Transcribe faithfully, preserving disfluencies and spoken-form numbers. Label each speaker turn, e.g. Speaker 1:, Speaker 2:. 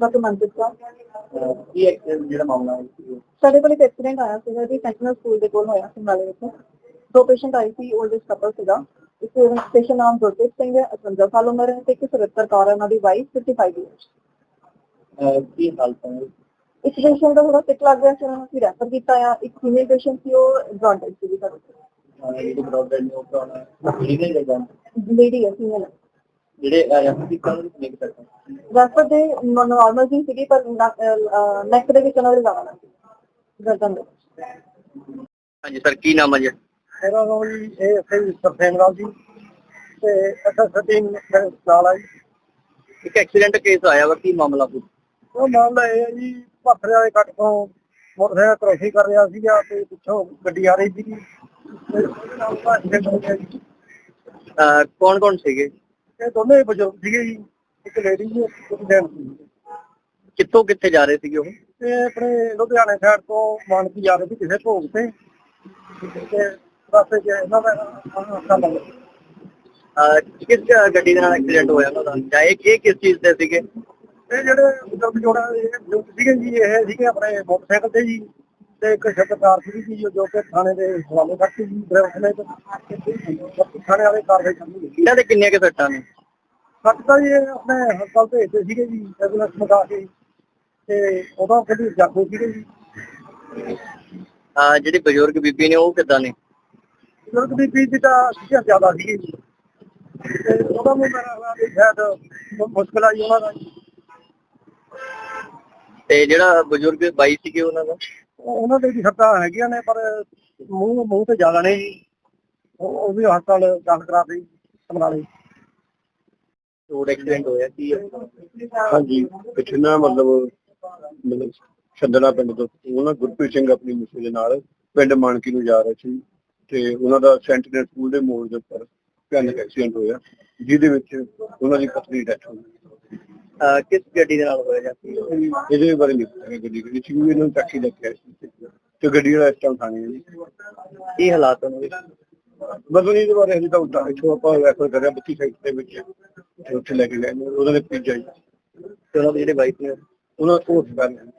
Speaker 1: Doctor Manpreet Kaur.
Speaker 2: ਕੀ accident ਜਿਹੜਾ ਮਾਮਲਾ ਹੈ
Speaker 1: ਸਾਡੇ ਕੋਲ ਇੱਕ ਐਕਸੀਡੈਂਟ ਆਇਆ ਸੀਗਾ ਜੀ, ਸੈਂਟਰਲ ਸਕੂਲ ਦੇ ਕੋਲ ਹੋਇਆ ਸਮਰਾਲੇ ਵਿੱਚ। ਦੋ ਪੇਸ਼ੈਂਟ ਆਏ ਸੀ, 올ਡ ਏਜ ਕਪਲ ਸੀਗਾ। ਇੱਕ ਪੇਸ਼ੈਂਟ ਨਾਮ ਗੁਰਪ੍ਰੀਤ ਸਿੰਘ ਹੈ, ਅਠਵੰਜਾ ਸਾਲ ਉਮਰ ਹੈ, ਤੇ ਇੱਕ ਸੁਰਿੰਦਰ ਕੌਰ ਹੈ, ਉਹਨਾਂ ਦੀ ਵਾਈਫ, ਪਚਪਨ ਈਅਰਸ।
Speaker 2: ਕੀ ਹਾਲਤ ਹੈ?
Speaker 1: ਇੱਕ ਪੇਸ਼ੈਂਟ ਦਾ ਥੋੜਾ ਸਿੱਕ ਲੱਗ ਰਿਹਾ ਸੀ, ਉਹਨਾਂ ਨੂੰ ਅਸੀਂ ਰੈਫਰ ਕੀਤਾ ਆ। ਇੱਕ ਫੀਮੇਲ ਪੇਸ਼ੈਂਟ ਸੀ, ਉਹ ਜੌਂਡਿਸ ਸੀ ਸਾਡੇ ਕੋਲ।
Speaker 2: ਜਿਹੜੀ ਬ੍ਰੌਡਬੈਂਡ ਨੇ ਉਹ ਕਰਾਉਣਾ ਲੀਗਲ ਹੈ ਜਾਂ
Speaker 1: ਲੇਡੀ ਹੈ, ਫੀਮੇਲ।
Speaker 2: ਜਿਹੜੇ ਰੈਫਰ ਕੀਤਾ ਉਹਨਾਂ ਨੂੰ ਕਿੰਨੇ ਕੁ ਸੱਟਾਂ?
Speaker 1: ਰੈਫਰ ਦੇ ਨਾਰਮਲ ਜੀ ਸੀਗੀ, ਪਰ ਨੈਕ ਦੇ ਵਿੱਚ ਉਹਨਾਂ ਦੇ ਜ਼ਿਆਦਾ ਲੱਗੀ, ਗਰਦਨ ਦੇ ਵਿੱਚ।
Speaker 2: ਹਾਂਜੀ ਸਰ, ਕੀ ਨਾਮ ਹੈ ਜੀ?
Speaker 3: ਮੇਰਾ ਨਾਮ ਜੀ ਇਹ ਸਹੀ ਸਰਸੇਮ ਰਾਮ ਜੀ, ਤੇ ਅੱਛਾ ਸਟੀਨ ਨਾਲ ਆ ਜੀ।
Speaker 2: ਇੱਕ ਐਕਸੀਡੈਂਟ ਕੇਸ ਆਇਆ ਵਾ, ਕੀ ਮਾਮਲਾ ਪੁੱਛ?
Speaker 3: ਉਹ ਮਾਮਲਾ ਇਹ ਹੈ ਜੀ, ਭਾਖੜੇ ਵਾਲੇ ਕੱਟ ਤੋਂ ਮੋਟਰਸਾਈਕਲ ਕ੍ਰੋਸਿੰਗ ਕਰ ਰਿਹਾ ਸੀਗਾ ਤੇ ਪਿੱਛੋਂ ਗੱਡੀ ਆ ਰਹੀ ਸੀਗੀ।
Speaker 2: ਕੌਣ ਕੌਣ ਸੀਗੇ?
Speaker 3: ਇਹ ਦੋਨੇ ਹੀ ਬਜ਼ੁਰਗ ਸੀਗੇ ਜੀ, ਇੱਕ ਲੇਡੀ ਜੀ ਇੱਕ ਜੈਂਟ ਸੀ।
Speaker 2: ਕਿੱਥੋਂ ਕਿੱਥੇ ਜਾ ਰਹੇ ਸੀਗੇ ਉਹ?
Speaker 3: ਤੇ ਆਪਣੇ ਲੁਧਿਆਣੇ ਸਾਈਡ ਤੋਂ ਮਾਨਕੀ ਜਾ ਰਹੇ ਸੀ ਕਿਸੇ ਭੋਗ ਤੇ, ਤੇ ਰਸਤੇ 'ਚ ਇਹਨਾਂ ਦਾ ਅੱਖਾਂ ਲੱਗ ਗਈਆਂ।
Speaker 2: ਕਿਸ ਗੱਡੀ ਦੇ ਨਾਲ ਐਕਸੀਡੈਂਟ ਹੋਇਆ ਉਹਨਾਂ ਦਾ, ਜਾਂ ਇਹ ਇਹ ਕਿਸ ਚੀਜ਼ ਤੇ ਸੀਗੇ?
Speaker 3: ਇਹ ਜਿਹੜੇ ਬਜ਼ੁਰਗ ਜੋੜਾ ਇਹ ਬਜ਼ੁਰਗ ਸੀਗੇ ਜੀ, ਇਹ ਸੀਗੇ ਆਪਣੇ ਮੋਟਰਸਾਈਕਲ ਤੇ ਜੀ, ਤੇ ਇੱਕ ਸ਼ਬਦਕਾਰ ਸੀਗੀ ਜੀ ਜੋ ਕਿ ਥਾਣੇ ਦੇ ਹਵਾਲੇ ਕਰਤੀ ਜੀ। ਡਰਾਈਵਰ ਨੇ ਥਾਣੇ ਵਾਲੇ ਕਾਰਵਾਈ ਕਰਨੀ।
Speaker 2: ਇਹਨਾਂ ਦੇ ਕਿੰਨੀਆਂ ਕੁ ਸੱਟਾਂ ਨੇ?
Speaker 3: ਸੱਟ ਤਾਂ ਜੀ ਇਹ ਆਪਣੇ ਹਸਪਤਾਲ ਭੇਜਦੇ ਸੀਗੇ ਜੀ, ਐਂਬੂਲੈਂਸ ਮੰਗਾ ਕੇ, ਤੇ ਉਦੋਂ ਕਦੀ ਜਾਗੋ ਸੀਗੇ ਜੀ।
Speaker 2: ਅਹ ਜਿਹੜੀ ਬਜ਼ੁਰਗ ਬੀਬੀ ਨੇ ਉਹ ਕਿੱਦਾਂ ਨੇ?
Speaker 3: ਬਜ਼ੁਰਗ ਦੀ ਬੀਬੀ ਤਾਂ ਸੀਗਾ ਜ਼ਿਆਦਾ ਸੀਗੀ ਜੀ, ਤੇ ਉਹਦਾ ਵੀ ਮੇਰਾ ਸ਼ਾਇਦ ਮੁਸ਼ਕਿਲ ਆਈ ਉਹਨਾਂ ਦਾ ਜੀ।
Speaker 2: ਤੇ ਜਿਹੜਾ ਬਜ਼ੁਰਗ ਬਾਈ ਸੀਗੇ ਉਹਨਾਂ ਦਾ?
Speaker 3: ਉਹਨਾਂ ਦੇ ਵੀ ਸੱਟਾਂ ਹੈਗੀਆਂ ਨੇ, ਪਰ ਮੂੰਹ ਮੂੰਹ ਤੇ ਜ਼ਿਆਦਾ ਨੇ ਜੀ। ਉਹ ਵੀ ਹਸਪਤਾਲ ਦਾਖਲ ਕਰਾ ਦਿੱਤੀ ਸਮਰਾਲੇ।
Speaker 2: ਰੋਡ ਐਕਸੀਡੈਂਟ ਹੋਇਆ ਕੀ ਹੈ?
Speaker 4: ਹਾਂਜੀ, ਪਿੱਛੇ ਨਾ ਮਤਲਬ ਮਤਲਬ ਛੱਡਣਾ ਪਿੰਡ ਤੋਂ ਉਹਨਾਂ ਗੁਰਪ੍ਰੀਤ ਸਿੰਘ ਆਪਣੀ ਮਿਸੇ ਦੇ ਨਾਲ ਪਿੰਡ ਮਾਨਕੀ ਨੂੰ ਜਾ ਰਹੇ ਸੀ, ਤੇ ਉਹਨਾਂ ਦਾ ਸੈਂਟੀਨਲ ਸਕੂਲ ਦੇ ਮੋੜ ਦੇ ਉੱਪਰ ਭਿਆਨਕ ਐਕਸੀਡੈਂਟ ਹੋਇਆ, ਜਿਹਦੇ ਵਿੱਚ ਉਹਨਾਂ ਦੀ ਪਤਨੀ ਦੀ ਡੈਥ ਹੋ ਗਈ।
Speaker 2: ਅਹ ਕਿਸ ਗੱਡੀ ਦੇ ਨਾਲ ਹੋਇਆ ਜਾਂ ਕੀ?
Speaker 4: ਇਹਦੇ ਬਾਰੇ ਨਹੀਂ ਪਤਾ ਗੱਡੀ ਕਿਹੜੀ ਸੀ, ਇਹਨਾਂ ਨੂੰ ਟੈਕਸੀ ਲੈ ਕੇ ਆਏ ਸੀ, ਤੇ ਗੱਡੀ ਵਾਲਾ ਇਸ ਟਾਈਮ ਥਾਣੇ ਹੈ ਜੀ।
Speaker 2: ਕੀ ਹਾਲਾਤ ਉਹਨਾਂ ਦੇ?
Speaker 4: ਮਤਲਬ ਇਹਦੇ ਬਾਰੇ ਹਜੇ ਤਾਂ ਉੱਦਾਂ ਇੱਥੋਂ ਆਪਾਂ ਰੈਫਰ ਕਰਿਆ ਬੱਤੀ ਸਾਈਡ ਦੇ ਵਿੱਚ, ਤੇ ਉੱਥੇ ਲੈ ਕੇ ਗਏ ਨੇ ਉਹਨਾਂ ਦੇ ਭਤੀਜਾ ਜੀ,
Speaker 2: ਤੇ ਉਹਨਾਂ ਦੇ ਜਿਹੜੇ ਵਾਈਫ ਨੇ
Speaker 4: ਉਹਨਾਂ ਕੋਲ